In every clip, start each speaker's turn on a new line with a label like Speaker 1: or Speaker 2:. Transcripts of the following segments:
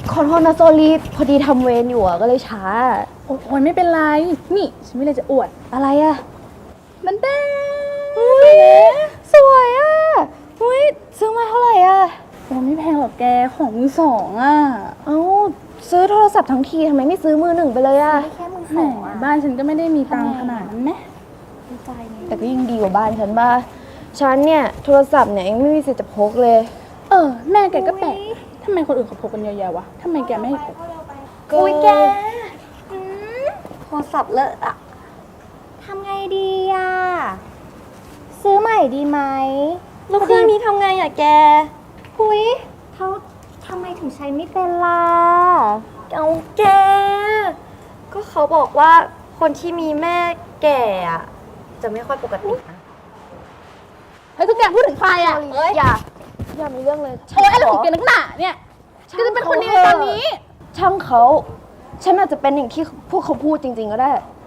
Speaker 1: ขอโทษนะโซลีพอดีทำเวรอยู่อะก็เลยช้า
Speaker 2: โอ้ยไม่เป็นไรนี่ฉันไม่เลยจะอวด
Speaker 1: อะไรอะ
Speaker 2: มันแดง
Speaker 1: สวยอะอุ้ยซื้อมาเท่าไหร่อะ
Speaker 2: โอ้ไม่แพงหรอกแกของมือสองอ่ะ
Speaker 1: เอ้าซื้อโทรศัพท์ทั้งทีทำไมไม่ซื้อมือหนึ่งไปเลยอะ
Speaker 2: แค่มือสองบ้านฉันก็ไม่ได้มีตังค์ขนาดนั้นนะ
Speaker 1: แต่ก็ยิ่งดีกว่าบ้านฉันบ้าฉันเนี่ยโทรศัพท์เนี่ยยังไม่มีสิทธิ์จะพกเลย
Speaker 2: แม่แกก็แปลกทำไมคนอื่นเขาพกกันเยอะแยะวะทำไมแกไม่ให้พก
Speaker 1: อุ้ยแก
Speaker 3: โทรศัพท์เลอะอะทำไงดีอะซื้อใหม่ดีไหม
Speaker 1: แล้วเครื่องนี้ทำไงอะแก
Speaker 3: หุยเขาทำไมถึงใช้ไม่เป็นล่ะ
Speaker 1: เอาแกก็เขาบอกว่าคนที่มีแม่แก่อะจะไม่ค่อยปกตินะ
Speaker 2: เฮ้ยทุกแกพูดถึงใครอ่ะ
Speaker 1: อย่ามีเรื่องเลย
Speaker 2: โอ้ยอะไรของแกนักหนาเนี่ยก็จะเป็นคนดีในตอนนี้
Speaker 1: ช่างเขาฉันอาจจะเป็นอย่างที่พวกเขาพูดจริงๆก็ได้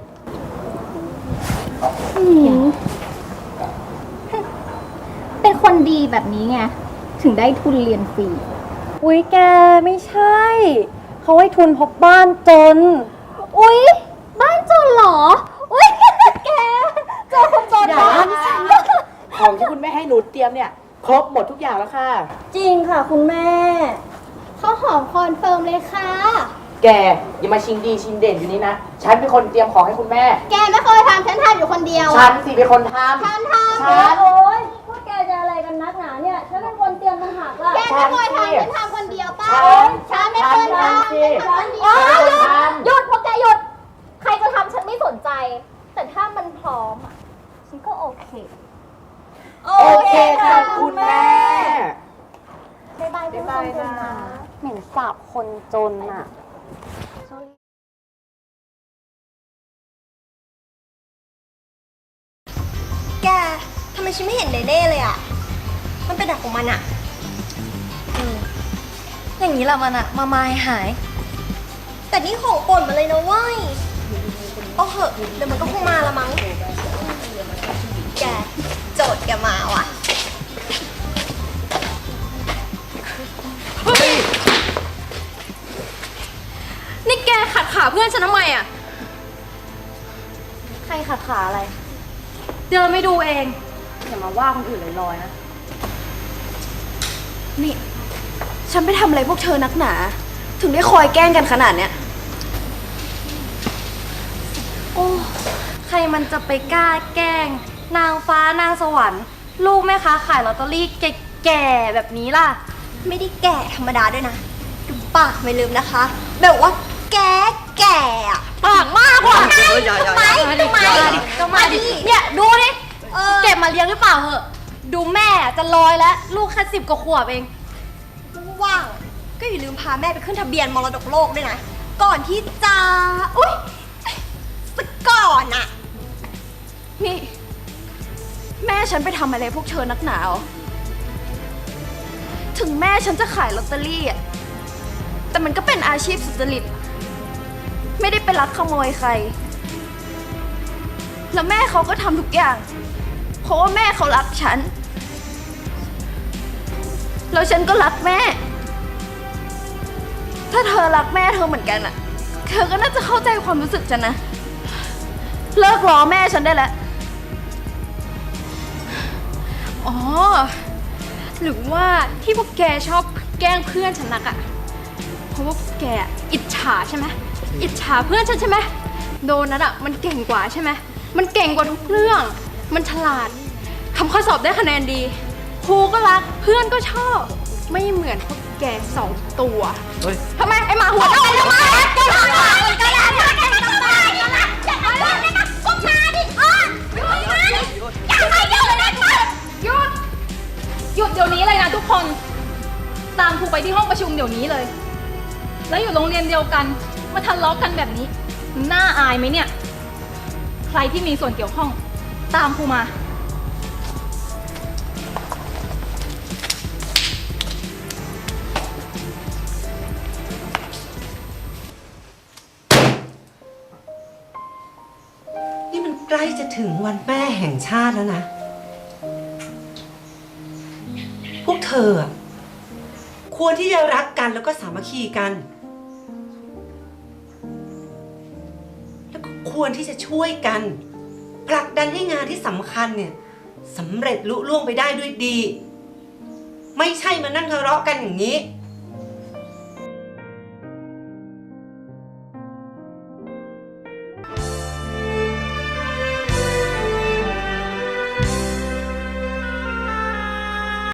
Speaker 3: เป็นคนดีแบบนี้ไงถึงได้ทุนเรียนฟรี
Speaker 1: อุ๊ยแกไม่ใช่เขาให้ทุนเพราะบ้านจน
Speaker 3: อุ๊ยบ้านจนเหรออุ๊ยแกเจอคนจนเหรอ
Speaker 4: ของที่คุณแม่ให้หนูเตรียมเนี่ยครบหมดทุกอย่างแล้วค่ะ
Speaker 1: จริงค่ะคุณแม่
Speaker 3: ข้าวหอมคอนเฟิร์มเลยค่ะ
Speaker 4: แกอย่ามาชิงดีชิงเด่นอยู่นี่นะฉันเป็นคนเตรียมของให้คุณแม่
Speaker 3: แกไม่เคยทำฉันทำอยู่คนเดียว
Speaker 4: ฉันสิเป็นคนทำ
Speaker 3: ฉันทำ
Speaker 4: ฉัน
Speaker 1: โอ๊ยพวกแกจะอะไรกันนักหนาเนี่ยฉันเป็นคนเตรียมต่างหากล่ะ
Speaker 3: แกไม่เคยทำฉันทำคนเดียวป่ะฉันไม่เคยทำฉันหยุดพวกแกหยุดใครจะทำฉันไม่สนใจแต่ถ้ามันพร้อมฉันก็โอเค
Speaker 4: โอเคค่ะคุณแม่
Speaker 3: บ๊ายบายคุณคนจนนะเหม็นสาบคนจนอ่ะแกทำไมฉันไม่เห็นเน่ๆเลยอ่ะมันเป็นแบบของมันอ่ะ
Speaker 1: อย่างนี้แหละมันอะมาหาย
Speaker 3: แต่นี่ของป่นมาเลยนะเว้ยเอาเหอะเดี๋ยวมันก็คงมาละมั้งแกโจทย์แกมาว่ะ
Speaker 2: นี่แกขัดขาเพื่อนฉันทำไมอ่ะ
Speaker 1: ใครขัดขาอะไร
Speaker 2: เดินไม่ดูเอง
Speaker 1: อย่ามาว่าคนอื่นลอยๆนะนี่ฉันไปทำอะไรพวกเธอนักหนาถึงได้คอยแกล้งกันขนาดเนี้ยโอ้ใครมันจะไปกล้าแกล้งนางฟ้านางสวรรค์ลูกแม่ค้าขายลอตเตอรี่แก่ๆแบบนี้ล่ะ
Speaker 3: ไม่ได้แก่ธรรมดาด้วยนะดูปากไม่ลืมนะคะแบบว่าแก่อะ
Speaker 2: ปากมากว่ะ
Speaker 3: ทำไม
Speaker 2: มาดิเนี่ยดูดิเก็บมาเลี้ยงหรือเปล่าเหอะดูแม่จะลอยแล้วลูกแค่10 กว่าขวบเอง
Speaker 3: ว่างก็อย่าลืมพาแม่ไปขึ้นทะเบียนมรดกโลกด้วยนะก่อนที่จะอุ๊ยสักก่อนอะ
Speaker 1: นี่แม่ฉันไปทำอะไรพวกเธอนักหนาถึงแม่ฉันจะขายลอตเตอรี่อะแต่มันก็เป็นอาชีพสุจริตไม่ได้ไปลักขโมยใครแล้วแม่เขาก็ทำทุกอย่างเพราะว่าแม่เขารักฉันแล้วฉันก็รักแม่ถ้าเธอรักแม่เธอเหมือนกันอะเธอก็น่าจะเข้าใจความรู้สึกฉันนะเลิกล้อแม่ฉันได้แล้ว
Speaker 2: อ๋อหรือว่าที่พวกแกชอบแกล้งเพื่อนฉันนักอะเพราะว่าพวกแกอิจฉาใช่ไหมอิจฉาเพื่อนฉันใช่ไหมโดนัทอะมันเก่งกว่าใช่ไหมมันเก่งกว่าทุกเรื่องมันฉลาดทำข้อสอบได้คะแนนดีครูก็รักเพื่อนก็ชอบไม่เหมือนพวกแก2 ตัวทำไมไอหมาหัวเน่าทำไมหยุดเดี๋ยวนี้เลยนะทุกคนตามครูไปที่ห้องประชุมเดี๋ยวนี้เลยแล้วอยู่โรงเรียนเดียวกันมาทะเลาะกันแบบนี้น่าอายไหมเนี่ยใครที่มีส่วนเกี่ยวข้องตามครูมา
Speaker 5: นี่มันใกล้จะถึงวันแม่แห่งชาติแล้วนะพวกเธอควรที่จะรักกันกันแล้วก็สามัคคีกัน แล้วก็ควรที่จะช่วยกันผลักดันให้งานที่สำคัญเนี่ยสำเร็จลุล่วงไปได้ด้วยดี ไม่ใช่มานั่งทะเลาะกันอย่างนี้